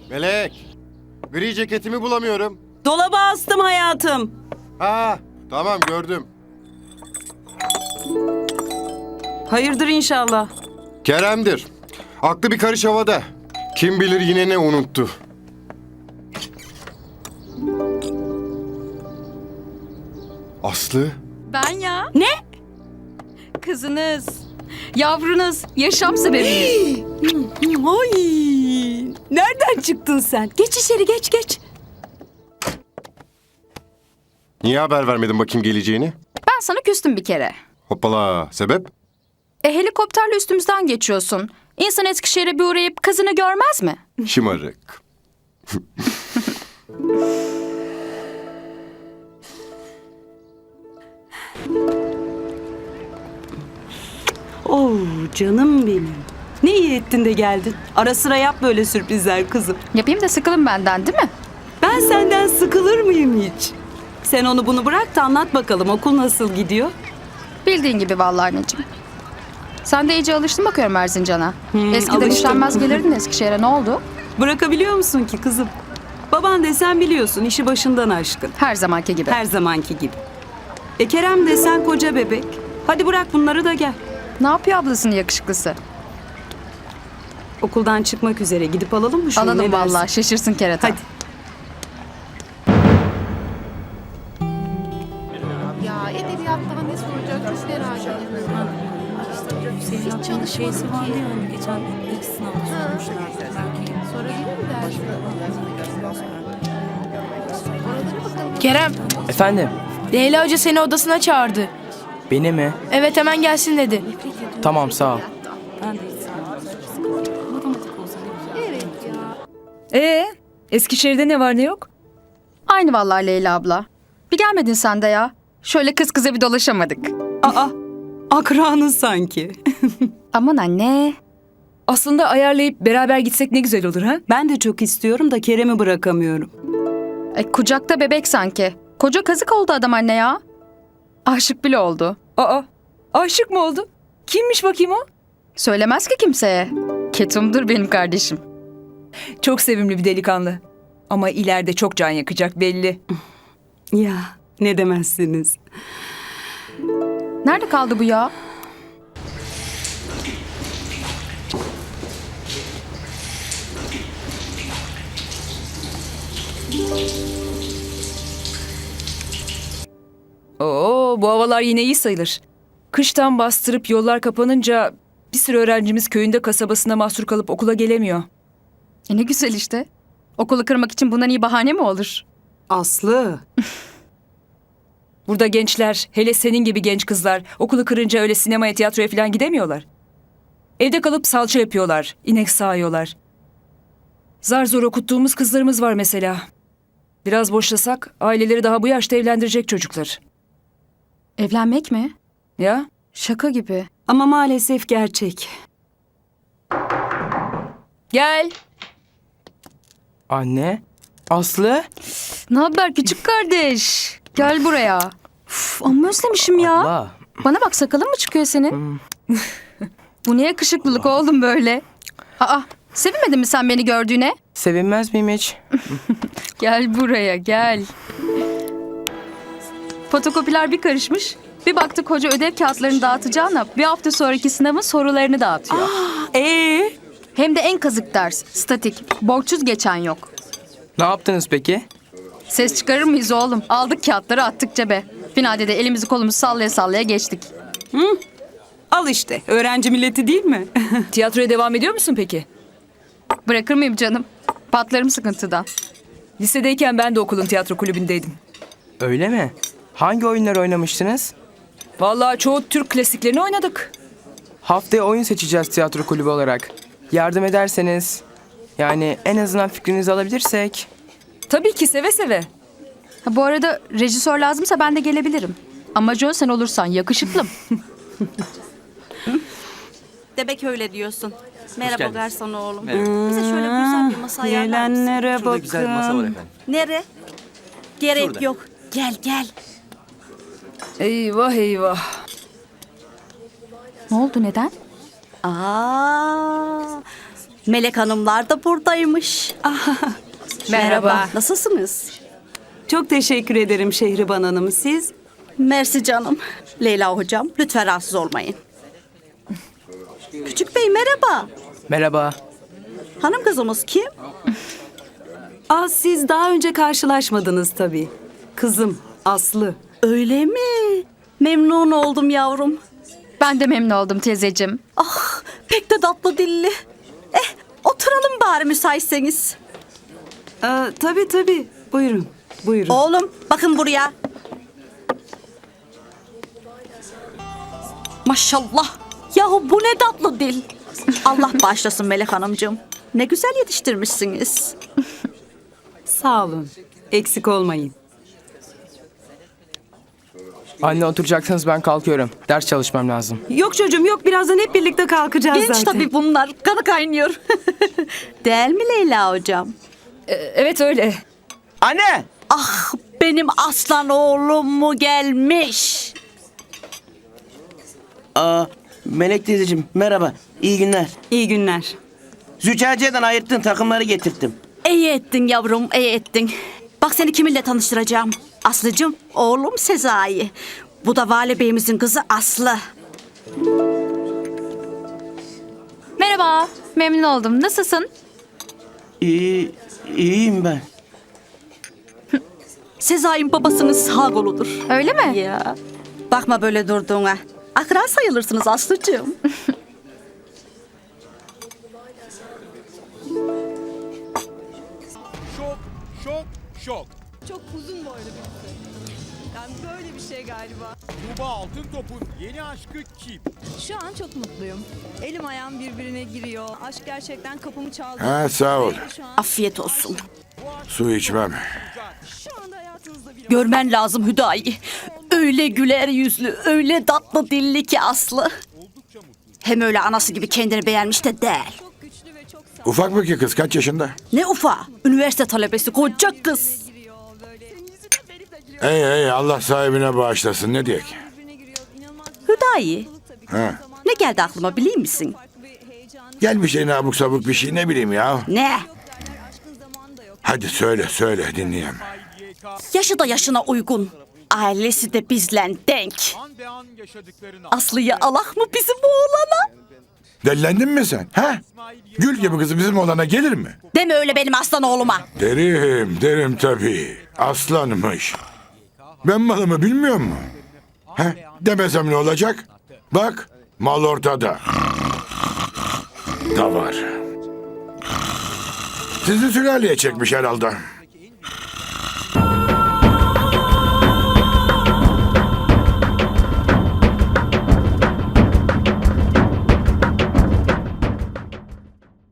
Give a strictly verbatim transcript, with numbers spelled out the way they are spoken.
Melek, gri ceketimi bulamıyorum. Dolaba astım hayatım. Ha, tamam gördüm. Hayırdır inşallah. Kerem'dir. Aklı bir karış havada. Kim bilir yine ne unuttu. Aslı? Ben ya. Ne? Kızınız. Yavrunuz. Yaşam sebebiniz. Ay, nereden çıktın sen? Geç içeri geç geç. Niye haber vermedin bakayım geleceğini? Ben sana küstüm bir kere. Hoppala, sebep? E helikopterle üstümüzden geçiyorsun. İnsan Eskişehir'e bir uğrayıp kızını görmez mi? Şımarık. Oo canım benim. Ne iyi ettin de geldin. Ara sıra yap böyle sürprizler kızım. Yapayım da sıkılın benden değil mi? Ben senden sıkılır mıyım hiç? Sen onu bunu bırak da anlat bakalım okul nasıl gidiyor? Bildiğin gibi vallahi anneciğim. Sen de iyice alıştın bakıyorum Erzincan'a. Hmm, Eskiden alıştım. işlenmez gelirdin Eskişehir'e, ne oldu? Bırakabiliyor musun ki kızım? Baban desen biliyorsun işi başından aşkın. Her zamanki gibi. Her zamanki gibi. E Kerem desen koca bebek. Hadi bırak bunları da gel. Ne yapıyor ablasının yakışıklısı? Okuldan çıkmak üzere gidip alalım mı şunu? Alalım ne dersin? vallahi, şaşırsın kerata. Hadi. Ya edebiyattan ne soracak çok merak ediyorum. Hiç çalışmadım ki. Geçen ilk sınavda sormuşlardı. Belki Sorabilir mi dersin? Oralara bakalım. Kerem, Efendim, Leyla Hoca seni odasına çağırdı. beni mi? Evet, hemen gelsin dedi. Tamam, sağ ol. ben de hiç sevmem. Matematik olsa ne güzel. Evet ya. Ee, Eskişehir'de ne var ne yok? Aynı vallahi Leyla abla. Bir gelmedin sen de ya. Şöyle kız kıza bir dolaşamadık. Aa, akranız sanki. Aman anne. Aslında ayarlayıp beraber gitsek ne güzel olur ha? Ben de çok istiyorum da Kerem'i bırakamıyorum. E, kucakta bebek sanki. Koca kazık oldu adam anne ya. Aşık bile oldu. Aa, aşık mı oldu? Kimmiş bakayım o? Söylemez ki kimseye. Ketumdur benim kardeşim. Çok sevimli bir delikanlı. Ama ileride çok can yakacak belli. Ya ne demezsiniz. Nerede kaldı bu ya? Oo, bu havalar yine iyi sayılır. Kıştan bastırıp yollar kapanınca bir sürü öğrencimiz köyünde kasabasına mahsur kalıp okula gelemiyor. E ne güzel işte. Okulu kırmak için bundan iyi bahane mi olur? Aslı. Burada gençler, hele senin gibi genç kızlar okulu kırınca öyle sinemaya, tiyatroya falan gidemiyorlar. Evde kalıp salça yapıyorlar, inek sağıyorlar. Zar zor okuttuğumuz kızlarımız var mesela. Biraz boşlasak aileleri daha bu yaşta evlendirecek çocuklar. Evlenmek mi? Ya? Şaka gibi. Ama maalesef gerçek. Gel. Anne, Aslı. Ne haber küçük kardeş? Gel buraya. Uf, amma özlemişim ya. Abla. Bana bak, sakalın mı çıkıyor senin? Bu ne yakışıklılık oğlum böyle? Aa, sevinmedin mi sen beni gördüğüne? Sevinmez miyim hiç? Gel buraya gel. Fotokopiler bir karışmış. Bir baktık hoca ödev kağıtlarını dağıtacağına bir hafta sonraki sınavın sorularını dağıtıyor. Ee, Hem de en kazık ders. Statik. Borçsuz geçen yok. Ne yaptınız peki? Ses çıkarır mıyız oğlum? Aldık kağıtları, attık cebe. Finalde de elimizi kolumuzu sallaya sallaya geçtik. al işte öğrenci milleti değil mi? Tiyatroya devam ediyor musun peki? Bırakır mıyım canım? Patlarım sıkıntıdan. Lisedeyken ben de okulun tiyatro kulübündeydim. Öyle mi? Hangi oyunlar oynamıştınız? Vallahi çoğu Türk klasiklerini oynadık. Haftaya oyun seçeceğiz tiyatro kulübü olarak. Yardım ederseniz, yani en azından fikrinizi alabilirsek. Tabii ki seve seve. Ha, bu arada rejisör lazımsa ben de gelebilirim. Ama Joe sen olursan yakışıklım. Demek öyle diyorsun. Merhaba geldiniz. garson oğlum. Bize şöyle güzel bir masa ayarlar mısın? Gelenlere Şurada güzel bir masa var bakın. efendim. Nere? Gerek Şurada. yok. Gel gel. Eyvah eyvah. Ne oldu, neden? Aa, Melek Hanımlar da buradaymış. Merhaba. Nasılsınız? Çok teşekkür ederim Şehriban Hanım. Siz? Mersi canım. Leyla hocam lütfen rahatsız olmayın. Küçük bey merhaba. Merhaba. Hanım kızımız kim? Aa, siz daha önce karşılaşmadınız tabii. Kızım Aslı. Öyle mi? Memnun oldum yavrum. Ben de memnun oldum teyzeciğim. Ah pek de tatlı dilli. Eh oturalım bari müsaitseniz. Aa, tabii tabii. Buyurun. Buyurun. Oğlum bakın buraya. Maşallah. Yahu bu ne tatlı dil. Allah bağışlasın Melek Hanımcığım. Ne güzel yetiştirmişsiniz. Sağ olun. Eksik olmayın. Anne oturacaksanız ben kalkıyorum. Ders çalışmam lazım. Yok çocuğum yok. Birazdan hep birlikte kalkacağız Genç zaten. tabii bunlar. Kanı kaynıyor. Değil mi Leyla hocam? Ee, evet öyle. Anne! Ah benim aslan oğlum mu gelmiş? Aa, Melek teyzeciğim merhaba. İyi günler. İyi günler. Züccaciye'den ayırttığın takımları getirttim. İyi ettin yavrum, iyi ettin. Bak seni kiminle tanıştıracağım. Aslıcığım, oğlum Sezai. Bu da Vali Bey'imizin kızı Aslı. Merhaba. Memnun oldum. Nasılsın? İyi, iyiyim ben. Sezai'nin babasının sağ koludur. Öyle mi? Ya. Bakma böyle durduğuna. Akran sayılırsınız Aslıcığım. Şok, şok, şok. Çok uzun boylu birisi. Yani böyle bir şey galiba. Tuğba Altıntop'un yeni aşkı kim? Şu an çok mutluyum. Elim ayağım birbirine giriyor. Aşk gerçekten kapımı çaldı. Ha, sağ ol. Şu an, Afiyet olsun. Su içmem. şu anda hayatınızda biri var. Görmen lazım Hüdayi. Öyle güler yüzlü, öyle tatlı dilli ki Aslı. Hem öyle anası gibi kendini beğenmiş de değil. Çok güçlü ve çok Ufak mı ki kız? Kaç yaşında? Ne ufa, üniversite talebesi, koca kız. giriyor böyle. Senin yüzünden benim de giriyor. Ey ey Allah sahibine bağışlasın. Ne diyek? Birbirine giriyor. İnanılmaz Hüdayi, tabii ki. Ha. ne geldi aklıma biliyor musun? Farklı bir heyecanı. Gel bir şey abuk sabuk bir şey ne bileyim ya. Ne? Aşkın zamanı da yok. Hadi söyle söyle dinleyeyim. Yaşı da yaşına uygun. Ailesi de bizle denk. An be an yaşadıklarını Aslı'yı alak mı bizim oğlana? Dellendin mi sen? Ha? Gül gibi kızı bizim olana gelir mi? Deme öyle benim aslan oğluma. Derim derim tabii. Aslanmış. Ben malımı bilmiyor mu? Ha? Demesem ne olacak? Bak mal ortada. Da var. Sizi sülaleye çekmiş herhalde.